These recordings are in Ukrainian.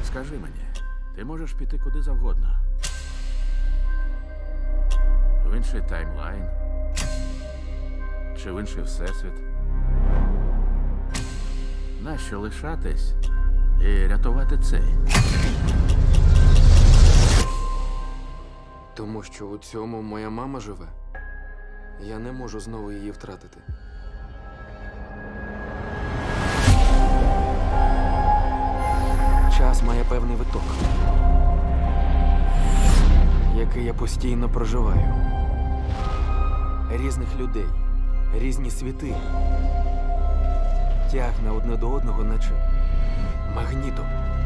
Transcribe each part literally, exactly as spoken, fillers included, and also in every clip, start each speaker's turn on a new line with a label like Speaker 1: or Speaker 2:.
Speaker 1: Скажи мені, ти можеш піти куди завгодно. В інший таймлайн. Чи в інший всесвіт. Нащо лишатись і рятувати цей?
Speaker 2: Тому що у цьому моя мама живе. Я не можу знову її втратити. Час має певний виток, який я постійно проживаю. Різних людей, різні світи. Тягне одне до одного, наче магнітом.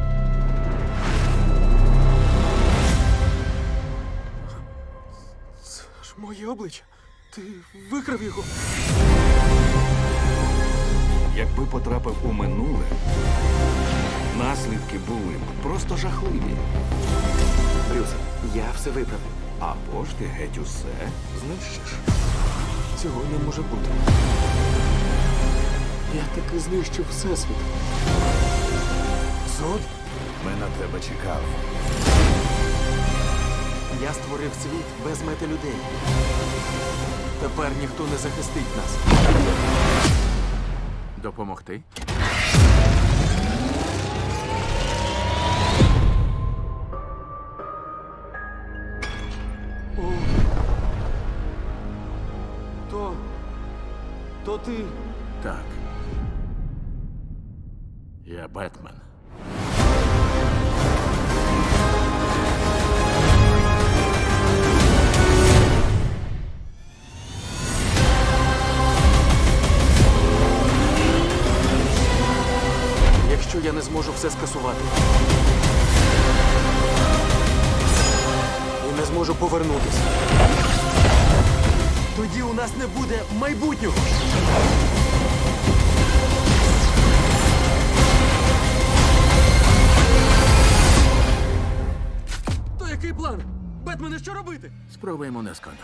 Speaker 2: Це ж моє обличчя. Ти викрав його.
Speaker 3: Якби потрапив у минуле, наслідки були б просто жахливі.
Speaker 2: Брюс, я все виправив.
Speaker 3: Або ж ти геть усе знищиш.
Speaker 2: Цього не може бути. Я таки знищив всесвіт. Зод?
Speaker 3: Ми на тебе чекали.
Speaker 2: Я створив світ без мети людей. Тепер ніхто не захистить нас.
Speaker 1: Допомогти?
Speaker 2: О. То... То ти...
Speaker 1: Так. Я Бетмен.
Speaker 2: Якщо я не зможу все скасувати і не зможу повернутися, тоді у нас не буде майбутнього. То який план? Бетмене, що робити?
Speaker 1: Спробуємо не сконати.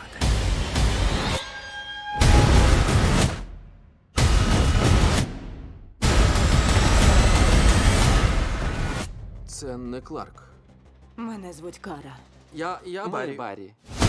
Speaker 2: Це не Кларк.
Speaker 4: Мене звуть Кара.
Speaker 2: Я, я Барі. Барі.